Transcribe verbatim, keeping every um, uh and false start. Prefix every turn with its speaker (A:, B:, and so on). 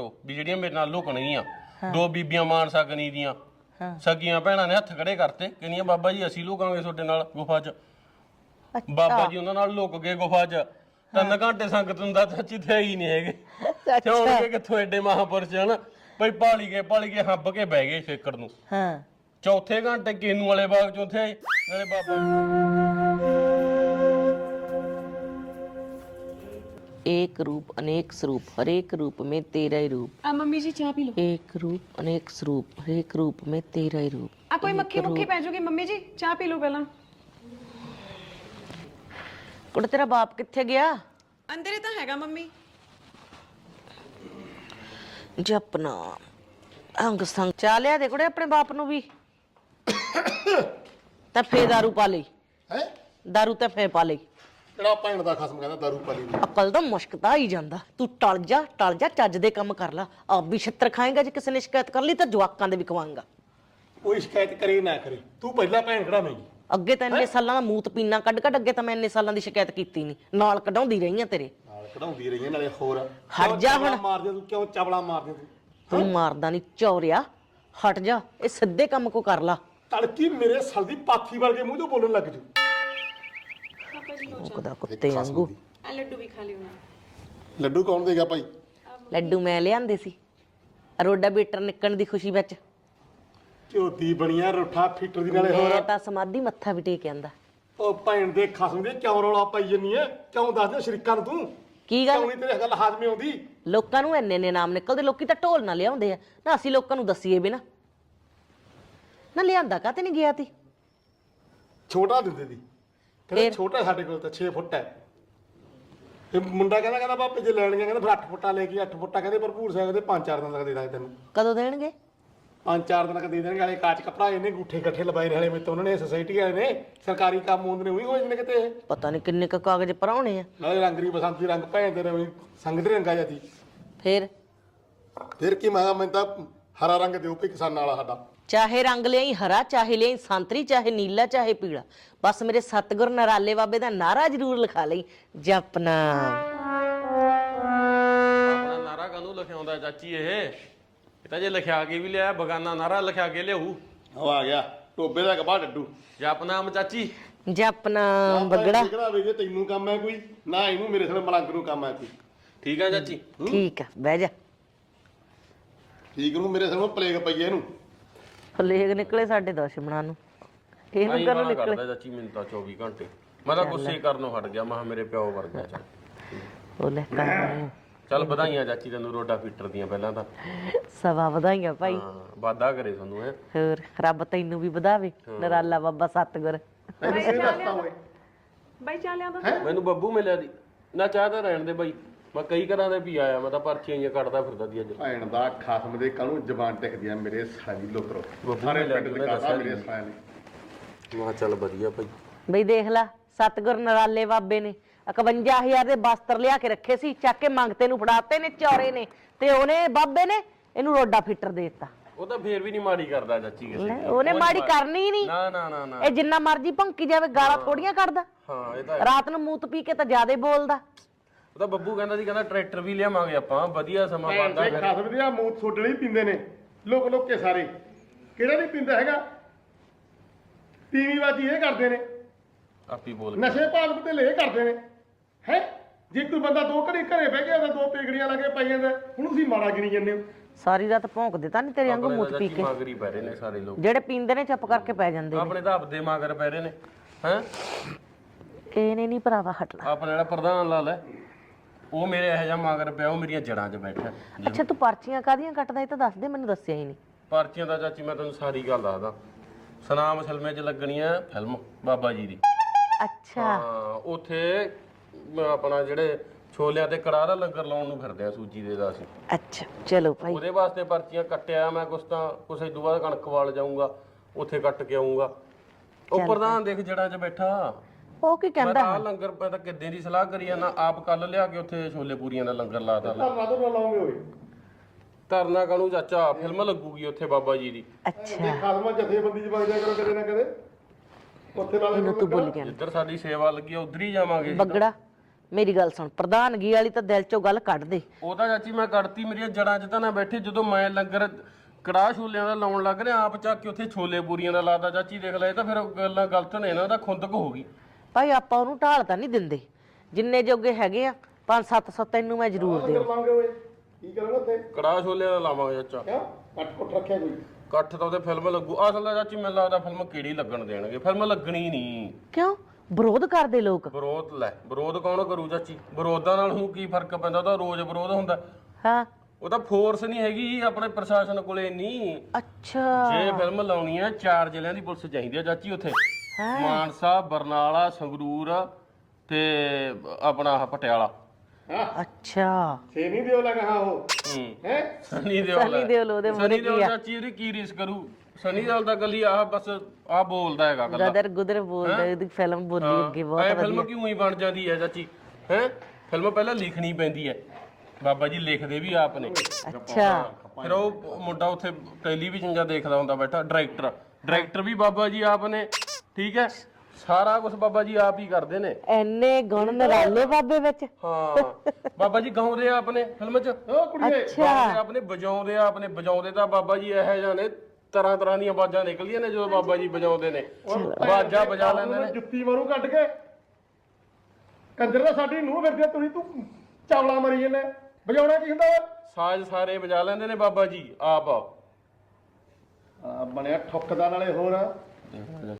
A: ਦੱਸੋ ਵੀ ਜਿਹੜੀਆਂ ਮੇਰੇ ਨਾਲ ਲੁਕਣਗੀਆਂ ਦੋ ਬੀਬੀਆਂ ਮਾਨ ਸਕਣੀ ਦੀਆਂ ਸਕੀਆਂ ਭੈਣਾਂ ਨੇ ਹੱਥ ਖੜੇ ਕਰਤੇ ਕਹਿੰਦੀਆਂ ਬਾਬਾ ਜੀ ਅਸੀਂ ਲੁਕਾਂਗੇ ਤੁਹਾਡੇ ਨਾਲ ਗੁਫਾ 'ਚ ਬਾਬਾ ਜੀ ਉਹਨਾਂ ਨਾਲ ਲੁਕ ਗਏ ਗੁਫਾ 'ਚ ਤਿੰਨ ਘੰਟੇ ਸੰਗਤ ਹੁੰਦਾ ਚਾਚੀ ਤੇ ਹੀ ਨਹੀਂ ਹੈਗੇ ਤੇ ਹੁਣ ਕੇ ਕਿੱਥੋਂ ਐਡੇ ਮਹਾਂਪੁਰਸ਼ ਹਨ ਬਈ ਪਾਲੀ ਗਏ ਪਾਲੀ ਗਏ ਹੱਬ ਕੇ ਬਹਿ ਗਏ ਛੇਕੜ ਨੂੰ
B: ਹਾਂ
A: ਚੌਥੇ ਘੰਟੇ ਕੇਨੂ ਵਾਲੇ ਬਾਗ ਚੌਥੇ ਆਏ ਨਾਲੇ ਬਾਬਾ
B: एक रूप अनेक स्वरूप हरेक रूप में तेरा ही रूप
C: आ मम्मी जी चाय पी लो।
B: एक रूप अनेक स्वरूप हरेक रूप में तेरा ही रूप
C: आ कोई मक्खी मुक्खी पै जाऊगी मम्मी जी चाय पी लो पहला।
B: कुड़े तेरा बाप किथे गया?
C: अंदर ही तो हैगा मम्मी।
B: जपना अंग संग चा लिया दे कुड़े अपने बाप नु भी ते फे दारू पा ली
D: है
B: दारू ते फे पा ली
D: ਕਿਹੜਾ ਭੈਣ ਦਾ ਖਸਮ ਕਹਿੰਦਾ ਦਾਰੂ ਪਾਲੀ ਨੂੰ
B: ਅਕਲ ਦਾ ਮੁਸ਼ਕਤਾ ਹੀ ਜਾਂਦਾ ਤੂੰ ਟਲ ਜਾ ਟਲ ਜਾ ਚੱਜ ਦੇ ਕੰਮ ਕਰ ਲਾ ਆਪ ਵੀ ਛਿੱਤਰ ਖਾਏਗਾ ਜੇ ਕਿਸੇ ਨੇ ਸ਼ਿਕਾਇਤ ਕਰ ਲਈ ਤਾਂ ਜਵਾਕਾਂ ਦੇ ਵੀ ਖਵਾਏਗਾ
D: ਕੋਈ ਸ਼ਿਕਾਇਤ ਕਰੇ ਨਾ ਕਰੇ ਤੂੰ ਪਹਿਲਾਂ ਭੈਣ ਕਢਾਵੇਂਗੀ
B: ਅੱਗੇ ਤਾਂ ਇੰਨੇ ਸਾਲਾਂ ਦਾ ਮੂਤ ਪੀਣਾ ਕੱਢ ਕੱਢ ਅੱਗੇ ਤਾਂ ਮੈਂ ਇੰਨੇ ਸਾਲਾਂ ਦੀ ਸ਼ਿਕਾਇਤ ਕੀਤੀ ਨਹੀਂ ਨਾਲ ਕਢਾਉਂਦੀ ਰਹੀ ਆ ਤੇਰੇ
D: ਨਾਲ ਕਢਾਉਂਦੀ ਰਹੀਆਂ ਨਾਲੇ ਹੋਰ
B: ਹਟ ਜਾ ਹੁਣ
D: ਮਾਰਦੇ ਤੂੰ ਕਿਉਂ ਚਵਲਾ ਮਾਰਦੇ ਤੂੰ
B: ਤੂੰ ਮਾਰਦਾ ਨਹੀਂ ਚੌਰਿਆ ਹਟ ਜਾ ਇਹ ਸਿੱਧੇ ਕੰਮ ਕੋ ਕਰ ਲਾ
D: ਤੜਕੀ ਮੇਰੇ ਸਲ ਦੀ ਪਾਥੀ ਵਰਗੇ ਮੂੰਹ ਤੋਂ ਬੋਲਣ ਲੱਗ ਜੂ
B: ਉਹਦਾ ਕੁੱਤੇ ਵਾਂਗੂ
C: आ लड्डू भी खा लियो ना।
D: ਲੱਡੂ ਕੌਣ ਦੇਗਾ ਭਾਈ
B: ਲੱਡੂ ਮੈਂ ਲਿਆਂਦੇ ਸੀ ਰੋਡਾ ਬੀਟਰ ਨਿਕਣ ਦੀ ਖੁਸ਼ੀ ਵਿੱਚ
D: ਝੋਤੀ ਬਣੀਆਂ ਰੋਠਾ ਫੀਟਰ ਦੀ ਨਾਲੇ ਹੋਰ
B: ਮੈਂ ਤਾਂ ਸਮਾਧੀ ਮੱਥਾ ਵੀ ਟੇਕ ਆਂਦਾ
D: ਉਹ ਭੈਣ ਦੇ ਖਸਮ ਦੇ ਕਿਉਂ ਰੌਲਾ ਪਾਈ ਜੰਨੀ ਐ ਕਿਉਂ ਦੱਸ ਦੇ ਸ਼ਰੀਕਾਂ ਨੂੰ ਤੂੰ
B: ਕੀ
D: ਕਿਉਂ
B: ਗੱਲ
D: ਨਹੀਂ ਤੇਰੇ ਗੱਲ ਹਾਜ਼ਮੇ ਆਉਂਦੀ
B: ਲੋਕਾਂ ਨੂੰ ਇੰਨੇ ਨੇ ਨਾਮ ਨਿਕਲਦੇ ਲੋਕੀ ਤਾਂ ਢੋਲ ਨਾ ਲਿਆਉਂਦੇ ਆ ਨਾ ਅਸੀਂ ਲੋਕਾਂ ਨੂੰ ਦਸੀਏ ਵੀ ਨਾ ਨਾ ਲਿਆਂਦਾ ਕਾਤੇ ਨਹੀਂ ਗਿਆ ਤੀ
D: ਛੋਟਾ ਦਿੰਦੇ ਦੀ ਕਹਿੰਦੇ ਛੋਟਾ ਸਾਡੇ ਕੋਲ ਤਾਂ ਛੇ ਫੁੱਟ ਹੈ ਇਹ ਮੁੰਡਾ ਕਹਿੰਦਾ ਕਹਿੰਦਾ ਬਾਪੇ ਜੇ ਲੈਣਗੇ ਕਹਿੰਦਾ ਫਿਰ ਅੱਠ ਫੁੱਟਾ ਲੈ ਕੇ ਅੱਠ ਫੁੱਟਾ ਕਹਿੰਦੇ ਭਰਪੂਰ ਸਿੰਘ ਦੇ ਪੰਜ ਚਾਰ ਦਿਨ ਤੱਕ ਦੇ ਦਾਂਗੇ ਤੈਨੂੰ
B: ਕਦੋਂ ਦੇਣਗੇ
D: ਪੰਜ ਚਾਰ ਦਿਨ ਤੱਕ ਦੇ ਦੇਣਗੇ ਵਾਲੇ ਕਾਚ ਕਪੜਾ ਇਹਨੇ ਗੂਠੇ ਇਕੱਠੇ ਲਵਾਏ ਨੇ ਹਲੇ ਮੇਰੇ ਤੋਂ ਉਹਨਾਂ ਨੇ ਸੋਸਾਇਟੀ ਵਾਲੇ ਨੇ ਸਰਕਾਰੀ ਕੰਮ ਹੁੰਦੇ ਨੇ ਉਹੀ ਹੋ ਜਾਂਦੇ ਨੇ ਕਿਤੇ ਇਹ
B: ਪਤਾ ਨਹੀਂ ਕਿੰਨੇ ਕੁ ਕਾਗਜ਼ ਭਰਾਉਣੇ ਆ
D: ਨਾਲੇ ਰੰਗਰੀ ਬਸੰਤੀ ਰੰਗ ਭੈਣ ਦੇ ਰਵੀ ਸੰਗ ਦੇ ਰੰਗਾ ਜਾਂਦੀ
B: ਫੇਰ
D: ਫਿਰ ਕੀ ਮੈਂ ਮੈਂ ਤਾਂ ਹਰਾ ਰੰਗ ਦਿਓ ਕਿ ਕਿਸਾਨਾਂ ਵਾਲਾ ਸਾਡਾ
B: ਚਾਹੇ ਰੰਗ ਲਿਆਈ ਹਰਾ ਚਾਹੇ ਲਿਆਈ ਸੰਤਰੀ ਚਾਹੇ ਨੀਲਾ ਚਾਹੇ ਪੀਲਾ ਬਸ ਮੇਰੇ ਸਤਿਗੁਰ ਨਰਾਲੇ ਬਾਬੇ ਦਾ ਨਾਰਾ ਜ਼ਰੂਰ ਲਿਖਾ ਲਈ ਜਪਨਾ
A: ਆਪਣਾ ਨਾਰਾ ਕਾਹਨੂੰ ਲਿਖਾਉਂਦਾ ਚਾਚੀ ਇਹ ਇਹ ਤਾਂ ਜੇ ਲਿਖਿਆ ਕੇ ਵੀ ਲਿਆ ਬਗਾਨਾ ਨਾਰਾ ਲਿਖਿਆ ਕੇ ਲਿਆਊ
D: ਉਹ ਆ ਗਿਆ ਟੋਬੇ ਦਾ ਕਬਾ ਡੱਡੂ
A: ਜਪਨਾਮ ਚਾਚੀ
B: ਜਪਨਾ ਬਗੜਾ
D: ਕਿਹੜਾ ਵੇ ਜੇ ਤੈਨੂੰ ਕੰਮ ਹੈ ਕੋਈ ਨਾ ਇਹਨੂੰ ਮੇਰੇ ਸਾਲੇ ਮਲੰਗ ਨੂੰ ਕੰਮ ਹੈ ਕੋਈ
A: ਠੀਕ ਆ ਚਾਚੀ
B: ਠੀਕ ਆ ਬਹਿ ਜਾ
D: ਠੀਕ ਨੂੰ ਮੇਰੇ ਸਾਲੇ ਪਲੇਗ ਪਈ ਇਹਨੂੰ
B: ਪਲੇਗ ਨਿਕਲੇ ਸਾਡੇ ਦੁਸ਼ਮਣਾਂ ਨੂੰ ਇਹਨੂੰ
A: ਨਹੀਂ
B: ਕਰਨ
A: ਗਾਲਾਂ
B: ਨਿਕਲੇ
A: ਕੱਢਦਾ ਚਾਚੀ ਮੈਨੂੰ ਤਾਂ ਚੌਵੀ ਘੰਟੇ ਮੈਂ ਤਾਂ ਗੁੱਸੇ ਕਰਨੋਂ ਹਟ ਗਿਆ ਮੈਂ ਕਿਹਾ ਮੇਰੇ ਪਿਓ ਵਰਗਾ ਚੱਲ
B: ਉਹ ਲੈ ਕਰ
A: ਚੱਲ ਵਧਾਈਆਂ ਚਾਚੀ ਤੈਨੂੰ ਰੋਡਾ ਫੀਟਰ ਦੀਆਂ ਪਹਿਲਾਂ ਤਾਂ
B: ਸਵਾ ਵਧਾਈਆਂ ਭਾਈ
A: ਹਾਂ ਵਾਦਾ ਕਰੇ ਤੁਹਾਨੂੰ ਇਹ
B: ਹੋਰ ਰੱਬ ਤੈਨੂੰ ਵੀ ਵਧਾਵੇ ਨਰਾਲਾ ਬਾਬਾ ਸਤਿਗੁਰ
C: भाई चाय लिया था।
A: ਮੈਨੂੰ ਬੱਬੂ ਮਿਲਿਆ ਦੀ ਨਾ ਚਾਹ ਤਾਂ ਰਹਿਣ ਦੇ ਬਾਈ ਮੈਂ ਕਈ ਘਰਾਂ ਦੇ ਵੀ ਆਇਆ ਮੈਂ ਤਾਂ ਪਰਚੀਆਂ ਜਿਹੀਆਂ ਕੱਢਦਾ ਫਿਰਦਾ ਦੀ ਅੱਜ
D: ਭੈਣ ਦਾ ਖਾਸਮ ਦੇ ਕਾਹਨੂੰ ਜ਼ਬਾਨ ਟਿਕਦੀ ਆ ਮੇਰੇ ਸਾਲੀ ਲੋਤਰੋ ਸਾਰੇ ਪਿੰਡ ਦੇ ਕਾਸਾ ਮੇਰੇ ਸਾਲੇ ਨੇ
A: ਮੈਂ ਕਿਹਾ ਚੱਲ ਵਧੀਆ ਭਾਈ
B: ਬਈ ਦੇਖ ਲਾ ਸਤਿਗੁਰ ਨਰਾਲੇ ਬਾਬੇ ਨੇ ਇਕਵੰਜਾ ਹਜ਼ਾਰ ਦੇ ਬਸਤਰ ਲਿਆ ਕੇ ਰੱਖੇ ਸੀ ਚੱਕ ਕੇ ਮੰਗਤੇ ਨੂੰ ਫੜਾਤੇ ਨੇ ਚੌਰੇ ਨੇ ਤੇ ਉਹਨੇ ਬਾਬੇ ਨੇ ਇਹਨੂੰ ਰੋਡਾ ਫਿੱਟਰ ਦੇ ਦਿੱਤਾ
A: ਉਹ ਤਾਂ ਫੇਰ ਵੀ ਨਹੀਂ ਮਾੜੀ ਕਰਦਾ ਚਾਚੀ ਕਿਸੇ ਦੀ
B: ਉਹਨੇ ਮਾੜੀ ਕਰਨੀ ਹੀ ਨਹੀਂ
A: ਨਾ ਨਾ ਨਾ ਨਾ
B: ਇਹ ਜਿੰਨਾ ਮਰਜੀ ਭੌਂਕੀ ਜਾਵੇ ਗਾਲਾਂ ਥੋੜੀਆਂ ਕੱਢਦਾ
A: ਹਾਂ ਇਹ ਤਾਂ
B: ਰਾਤ ਨੂੰ ਮੂਤ ਪੀ ਕੇ ਤਾਂ ਜ਼ਿਆਦਾ ਬੋਲਦਾ
A: ਉਹ ਤਾਂ ਬੱਬੂ ਕਹਿੰਦਾ ਸੀ ਕਹਿੰਦਾ ਟਰੈਕਟਰ ਵੀ ਲਿਆਵਾਂਗੇ ਆਪਾਂ ਵਧੀਆ ਸਮਾਂ ਬਣਦਾ
D: ਭੈਣ ਦੇ ਖਾਸਮ ਦੇ ਆ ਮੂਤ ਛੋਟਣੇ ਹੀ ਪੀਂਦੇ ਨੇ ਲੋਕ ਲੋਕ ਕੇ ਸਾਰੇ ਕਿਹੜਾ ਨਹੀਂ ਪੀਂਦਾ ਹੈਗਾ ਤੀਵੀਂ ਬਾਜੀ ਇਹ ਕਰਦੇ ਨੇ
A: ਆਪੀ ਬੋਲ
D: ਨਸ਼ੇ ਭਾਲਕ ਤੇ ਲੈ ਕਰਦੇ ਨੇ ਹੈ ਜੇ ਕੋਈ ਬੰਦਾ ਦੋ ਘੜੀ ਘਰੇ ਬਹਿ ਗਿਆ ਤਾਂ ਦੋ ਪੇਗੜੀਆਂ ਲਾ ਕੇ ਪਾਈ ਜਾਂਦਾ ਹੁਣ ਤੁਸੀਂ ਮਾੜਾ ਗਿਣੀ ਜਾਂਦੇ ਹੋ
B: ਸਾਰੀ ਰਾਤ ਭੌਂਕਦੇ ਤਾਂ ਨਹੀਂ ਤੇਰੇ ਵਾਂਗੂ ਮੂਤ ਪੀ ਕੇ
A: ਮਗਰੀ ਪੈ ਰਹੇ ਨੇ ਸਾਰੇ ਲੋਕ
B: ਜਿਹੜੇ ਪੀਂਦੇ ਨੇ ਚੁੱਪ ਕਰਕੇ ਪੈ ਜਾਂਦੇ ਨੇ
A: ਆਪਣੇ ਤਾਂ ਆਪਦੇ ਮਗਰ ਪੈ ਰਹੇ ਨੇ ਹੈ
B: ਇਹਨੇ ਨਹੀਂ ਭਰਾਵਾ ਹਟਣਾ
A: ਆਪਣਾ ਜਿਹੜਾ ਪ੍ਰਧਾਨ ਲਾਲ ਹੈ ਉਹ ਮੇਰੇ ਇਹੋ ਜਿਹਾ ਮਗਰ ਪਿਆ ਉਹ ਮੇਰੀਆਂ ਜੜਾਂ 'ਚ ਬੈਠਾ
B: ਅੱਛਾ ਤੂੰ ਪਰਚੀਆਂ ਕਾਹਦੀਆਂ ਕੱਟਦਾ ਇਹ ਤਾਂ ਦੱਸ ਦੇ ਮੈਨੂੰ ਦੱਸਿਆ ਹੀ ਨਹੀਂ
A: ਪਰਚੀਆਂ ਦਾ ਚਾਚੀ ਮੈਂ ਤੈਨੂੰ ਸਾਰੀ ਗੱਲ ਦੱਸਦਾ ਸਨਾਮ ਫਿਲਮੇ 'ਚ ਲੱਗਣੀ ਆ ਫਿਲਮ ਬਾਬਾ ਜੀ ਦੀ
B: ਅੱਛਾ
A: ਹਾਂ ਉੱਥੇ ਆਪਣਾ ਜਿਹੜੇ ਛੋਲਿਆਂ ਤੇ ਕੜਾਹ ਦਾ ਲੰਗਰ ਲਾਉਣ ਨੂੰ ਫਿਰਦੇ ਆ ਸੂਜੀ ਦੇ ਦਾ ਅਸੀਂ
B: ਅੱਛਾ ਚਲੋ ਭਾਈ
A: ਉਹਦੇ ਵਾਸਤੇ ਪਰਚੀਆਂ ਕੱਟਿਆ ਮੈਂ ਕੁਛ ਤਾਂ ਕੁਛ ਇਦੋਂ ਬਾਅਦ ਕਣਕ ਵਾਲ ਜਾਊਂਗਾ ਉੱਥੇ ਕੱਟ ਕੇ ਆਊਂਗਾ ਉਹ ਪ੍ਰਧਾਨ ਦੇਖ ਜੜਾਂ 'ਚ ਬੈਠਾ
B: ਉਹ ਕੀ
A: ਮੈਂ
B: ਕਹਿੰਦਾ
A: ਤਾਂ ਆਹ ਲੰਗਰ ਮੈਂ ਤਾਂ ਕਿੱਦਾਂ ਦੀ ਸਲਾਹ ਕਰੀ ਜਾਂਦਾ ਆਪ ਕੱਲ ਲਿਆ ਕੇ ਉੱਥੇ ਛੋਲੇ ਪੂਰੀਆਂ ਦਾ ਲੰਗਰ ਲਾਤਾ
D: ਧਰਨਾ ਤੋਂ ਲਾਉਂਗੇ ਓਏ
A: ਧਰਨਾ ਕਾਹਨੂੰ ਚਾਚਾ ਫਿਲਮ ਲੱਗੂਗੀ ਉੱਥੇ ਬਾਬਾ ਜੀ ਦੀ
B: ਅੱਛਾ
D: ਜੇ ਖਾਸਮਾ ਜਥੇਬੰਦੀ ਚ ਵਗ ਜਾ ਕਰੋ ਕਦੇ ਨਾ ਕਦੇ ਉੱਥੇ ਨਾਲ
B: ਇਹਨੂੰ ਤੂੰ ਭੁੱਲ ਗਿਆ
A: ਜਿੱਧਰ ਸਾਡੀ ਸੇਵਾ ਲੱਗੀ ਆ ਉਧਰ ਹੀ ਜਾਵਾਂਗੇ
B: ਬੱਗੜਾ ਮੇਰੀ ਗੱਲ ਸੁਣ, ਪ੍ਰਧਾਨਗੀ ਵਾਲੀ ਤਾਂ ਦਿਲ ਚੋਂ ਗੱਲ ਕੱਢ ਦੇ।
A: ਉਹ ਤਾਂ ਚਾਚੀ ਮੈਂ ਕੱਢਤੀ, ਮੇਰੀਆਂ ਜੜਾਂ 'ਚ ਤਾਂ ਨਾ ਬੈਠੀ। ਜਦੋਂ ਮੈਂ ਲੰਗਰ ਕੜਾਹ ਛੋਲਿਆਂ ਦਾ ਲਾਉਣ ਲੱਗ ਰਿਹਾ, ਆਪ ਚੱਕ ਕੇ ਉੱਥੇ ਛੋਲੇ ਪੂਰੀਆਂ ਦਾ ਲਾਦਾ ਚਾਚੀ, ਦੇਖ ਲੈ। ਇਹ ਤਾਂ ਫਿਰ ਗੱਲਾਂ ਗਲਤ ਨੇ ਨਾ, ਉਹਦਾ ਖੁੰਦਕ ਹੋ ਗਈ।
B: ਭਾਈ ਆਪਾਂ ਉਹਨੂੰ ਢਾਲ ਤਾਂ ਨਹੀਂ ਦਿੰਦੇ, ਜਿੰਨੇ ਜੋਗੇ ਹੈਗੇ ਆ ਪੰਜ ਸੱਤ ਸੌ ਤੈਨੂੰ ਮੈਂ ਜ਼ਰੂਰ
D: ਲੰਗਰ
B: ਦੇਵਾਂ।
D: ਲਾਉਂਗੇ ਓਏ, ਕੀ ਕਰੋਗੇ ਉੱਥੇ?
A: ਕੜਾਹ ਛੋਲਿਆਂ ਦਾ ਲਾਵਾਂਗੇ ਚਾਚਾ।
D: ਕਿਉਂ ਅੱਠ ਫੁੱਟ ਰੱਖਿਆ ਕੋਈ?
A: ਇਕੱਠ ਤਾਂ ਉਹਦੇ ਫਿਲਮ ਲੱਗੂ। ਅਸਲ ਦਾ ਚਾਚੀ ਮੈਨੂੰ ਲੱਗਦਾ ਫਿਲਮ ਕਿਹੜੀ ਲੱਗਣ ਦੇਣਗੇ, ਫਿਲਮ ਲੱਗਣੀ ਨਹੀਂ।
B: ਕਿਉਂ ਵਿਰੋਧ ਕਰਦੇ ਲੋਕ?
A: ਵਿਰੋਧ ਲੈ, ਵਿਰੋਧ ਕੌਣ ਕਰੂ ਚਾਚੀ? ਵਿਰੋਧਾਂ ਨਾਲ ਹੁਣ ਕੀ ਫਰਕ ਪੈਂਦਾ? ਉਹਦਾ ਰੋਜ਼ ਵਿਰੋਧ ਹੁੰਦਾ।
B: ਹਾਂ
A: ਉਹ ਤਾਂ ਫੋਰਸ ਨਹੀਂ ਹੈਗੀ ਆਪਣੇ ਪ੍ਰਸ਼ਾਸਨ ਕੋਲੇ ਇੰਨੀ।
B: ਅੱਛਾ
A: ਜੇ ਫਿਲਮ ਲਾਉਣੀ ਹੈ, ਚਾਰ ਜ਼ਿਲ੍ਹਿਆਂ ਦੀ ਪੁਲਿਸ ਚਾਹੀਦੀ ਹੈ ਚਾਚੀ ਉੱਥੇ। ਮਾਨਸਾ, ਬਰਨਾਲਾ, ਸੰਗਰੂਰ ਤੇ ਆਪਣਾ ਆਹ ਪਟਿਆਲਾ।
B: ਅੱਛਾ
D: ਛੇ ਨਹੀਂ ਦਿਓ ਲਗਾ ਹਾਂ ਉਹ
A: ਹੂੰ
D: ਹੈ
A: ਸਨੀ ਦਿਓਲ।
B: ਸਨੀ ਦਿਓਲ ਉਹਦੇ ਮੂਹਰੇ
A: ਸਨੀ ਦਿਓਲ ਚਾਚੀ ਇਹਦੀ ਕੀ ਰੀਸ ਕਰੂ? ਸਨੀ ਦਿਓਲ ਦਾ ਗੱਲੀ ਆਹ ਬਸ ਆਹ ਬੋਲਦਾ ਹੈਗਾ ਗੱਲਾਂ।
B: ਗਦਰ ਗੁਦਰ ਬੋਲਦਾ, ਉਹਦੀ ਫਿਲਮ ਬੋਲੀ ਅੱਗੇ
A: ਐ
B: ਬਹੁਤ
A: ਫਿਲਮ ਕਿਉਂ ਹੀ ਬਣ ਜਾਂਦੀ ਹੈ ਚਾਚੀ? ਹੈ ਫਿਲਮ ਪਹਿਲਾਂ ਲਿਖਣੀ ਪੈਂਦੀ ਹੈ, ਬਾਬਾ ਜੀ ਲਿਖਦੇ ਵੀ ਆਪ ਨੇ।
B: ਅੱਛਾ
A: ਫਿਰ ਉਹ ਮੁੰਡਾ ਉੱਥੇ ਟੈਲੀਵਿਜ਼ਨ ਜਾਂ ਦੇਖਦਾ ਹੁੰਦਾ ਬੈਠਾ, ਡਾਇਰੈਕਟਰ ਡਾਇਰੈਕਟਰ ਵੀ ਬਾਬਾ ਜੀ ਆਪ ਨੇ। ਠੀਕ ਹੈ, ਸਾਰਾ ਕੁਝ ਬਾਬਾ ਜੀ ਆਪ ਹੀ ਕਰਦੇ ਨੇ।
B: ਐਨੇ ਗੁਣ ਨਿਰਾਲੇ ਬਾਬੇ ਵਿੱਚ।
A: ਹਾਂ ਬਾਬਾ ਜੀ ਗਾਉਂਦੇ ਆ ਆਪਣੇ ਫਿਲਮ 'ਚ। ਉਹ ਕੁੜੀਏ ਗਾਉਂਦੇ ਆਪਣੇ, ਵਜਾਉਂਦੇ ਆ ਆਪਣੇ। ਵਜਾਉਂਦੇ ਤਾਂ ਬਾਬਾ ਜੀ ਇਹੋ ਜਿਹੇ ਨੇ, ਤਰ੍ਹਾਂ ਤਰ੍ਹਾਂ ਦੀਆਂ ਆਵਾਜ਼ਾਂ ਨਿਕਲਦੀਆਂ ਨੇ ਜਦੋਂ ਬਾਬਾ ਜੀ ਵਜਾਉਂਦੇ ਨੇ। ਆਵਾਜ਼ਾਂ ਵਜਾ ਲੈਂਦੇ ਨੇ।
D: ਜੁੱਤੀ ਮਾਰੂ ਕੱਢ ਕੇ। ਕੰਜਰ ਦਾ ਸਾਡੀ ਨੂੰਹ ਫਿਰਦੀ ਤੁਸੀਂ, ਤੂੰ ਚਾਵਲਾ ਮਰੀ ਜੰਨੇ। ਵਜਾਉਣਾ ਕੀ ਹੁੰਦਾ ਵਾ?
A: ਸਾਜ਼ ਸਾਰੇ ਵਜਾ ਲੈਂਦੇ ਨੇ ਬਾਬਾ ਜੀ ਆਪ।
D: ਆ ਬਣਿਆ ਠੁੱਕਦਾ ਨਾਲੇ ਹੋਰ।